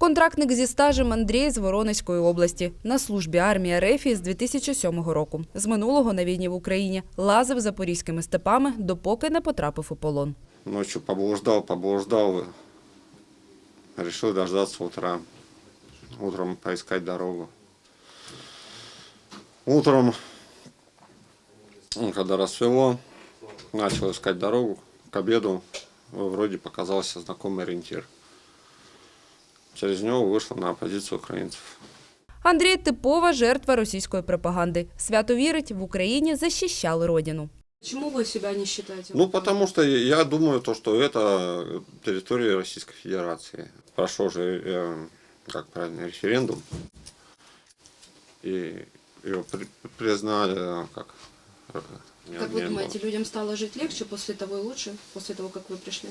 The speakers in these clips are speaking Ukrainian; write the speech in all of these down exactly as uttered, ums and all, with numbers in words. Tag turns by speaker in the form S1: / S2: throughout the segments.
S1: Контрактник зі стажем Андрій з Воронезької області. На службі армії РФ з дві тисячі сьомого року. З минулого на війні в Україні лазив запорізькими степами, допоки не потрапив у полон.
S2: Ночью поблуждал, поблуждал, решил дождаться утра, утром поискать дорогу. Утром, когда рассвело, начал искать дорогу. К обеду вроде показался знакомый ориентир. Через нього вийшла на позицію українців.
S1: Андрій – типова жертва російської пропаганди. Свято вірить, в Україні захищали родину.
S3: Почему вы себя не считаете?
S2: Ну, потому что я думаю, то, что это территория Российской Федерации. Прошел же, э, как правильно, референдум. И его при, признали как...
S3: Как вы думаете, людям стало жить легче после того и лучше, после того, как вы пришли?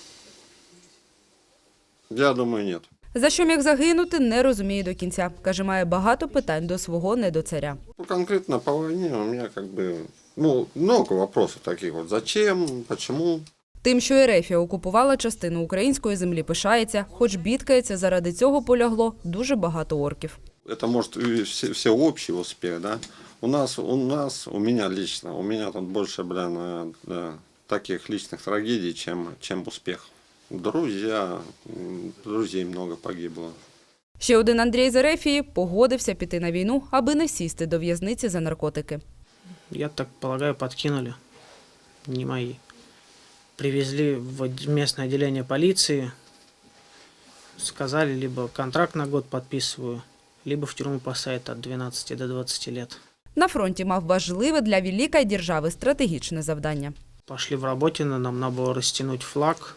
S2: Я думаю, нет.
S1: За що міг загинути, не розуміє до кінця. Каже, має багато питань до свого недоцаря.
S2: Ну, конкретно по войне у меня как бы, ну, много вопросов таких вот. Зачем, почему?
S1: Тим, що РФ окупувала частину української землі, пишається, хоч бідкається, заради цього полягло дуже багато орків.
S2: Это может и все, все общий успех, да? У нас, у нас, у меня лично, у меня тут больше, блин, да, таких личных трагедий, чем, чем успех. Друзья, друзей много погибло.
S1: Ще один Андрій з РФ погодився піти на війну, аби не сісти до в'язниці за наркотики.
S4: Я так полагаю, подкинули. Не мои. Привезли в местное отделение полиции. Сказали, либо контракт на год подписываю, либо в тюрьму посадят от двенадцати до двадцати лет.
S1: На фронті мав важливе для великої держави стратегічне завдання.
S4: Пошли в Работино, нам надо было растянуть флаг.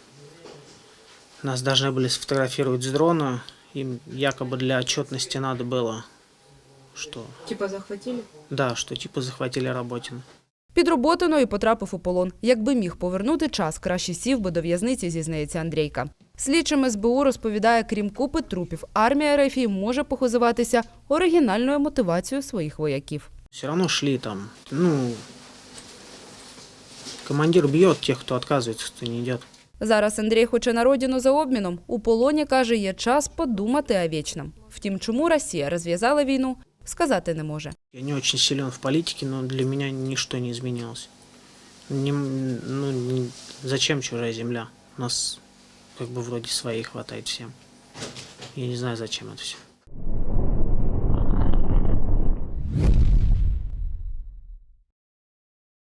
S4: Нас должны были сфотографировать с дрона. Им якобы для отчетности надо было, что...
S3: Типа захватили?
S4: Да, что типа захватили Работино.
S1: Під Роботино і потрапив у полон. Якби міг повернути час, краще сів би до в'язниці, зізнається Андрійка. Слідчим ес бе у розповідає, крім купи трупів, армія РФ може похизуватися оригінальною мотивацією своїх вояків.
S4: Все равно шли там, ну... Командир бьет тех, кто отказывается, кто не идет.
S1: Зараз Андрій хоче на родину за обміном. У полоні, каже, є час подумати о вічному. Втім, чому Росія розв'язала війну, сказати не може.
S4: Я не очень силен в политике, но для меня ничто не изменилось. Не, ну, не, зачем чужая земля? У нас как бы вроде своей хватает всем. Я не знаю, зачем это все.